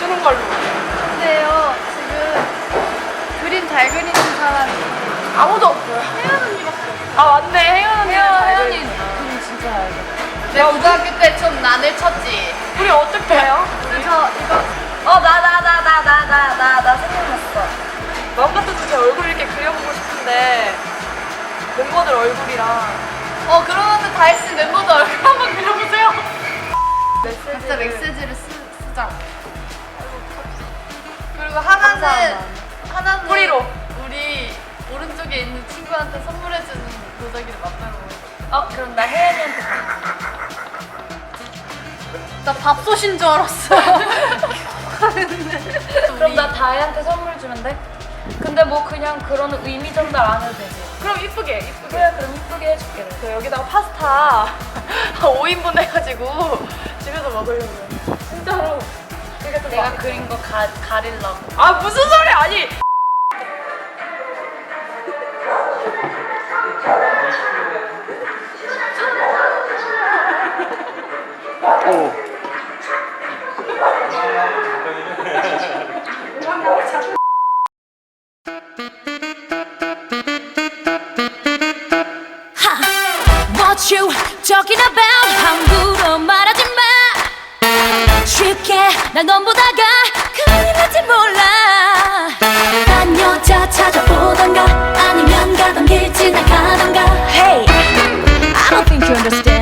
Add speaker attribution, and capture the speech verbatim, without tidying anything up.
Speaker 1: 주는 걸로.
Speaker 2: 근데요 지금 그림 잘 그리는 사람이
Speaker 1: 아무도 없어요.
Speaker 2: 혜연 언니밖에 없어요.
Speaker 1: 아 맞네, 혜연 언니.
Speaker 2: 혜연이 그림 진짜 잘 그려. 내가 고등학교 때 좀 난을 쳤지.
Speaker 1: 우리 어떻게 해요?
Speaker 2: 저 이거 어 나 나 나 나 나 나 나 나 생각났어.
Speaker 1: 마음 같아서 제 얼굴 이렇게 그려보고 싶은데 멤버들 얼굴이랑
Speaker 2: 어 그러면 다 했으면 멤버들 얼굴 한번 그려보세요.
Speaker 1: 메시지를
Speaker 2: 각자 메시지를 쓰, 쓰자. 그리고 하나는
Speaker 1: 감사합니다.
Speaker 2: 하나는
Speaker 1: 뿌리로.
Speaker 2: 우리 오른쪽에 있는 친구한테 선물해주는 도자기를 만들어 보자.
Speaker 1: 어 그럼 나 혜연이한테
Speaker 2: 나 밥솥인 줄 알았어.
Speaker 3: 그럼 나 다혜한테 선물 주면 돼? 근데 뭐 그냥 그런 의미 전달 안 해도 되지?
Speaker 1: 그럼 이쁘게 이쁘게.
Speaker 3: 그래 그럼 이쁘게 해줄게.
Speaker 1: 저 여기다가 파스타 오 인분 해가지고 집에서 먹으려고요. 진짜로. 그게 좀
Speaker 3: 내가
Speaker 1: 맛있어.
Speaker 3: 그린 거 가, 가리려고.
Speaker 1: 아 무슨 소리 아니.
Speaker 4: What you talking about 함부로 말하지 마 쉽게 날 넘보다가 큰일 날지 몰라 딴 여자 찾아보던가 아니면 가던 길 지나가던가 Hey, I don't think you understand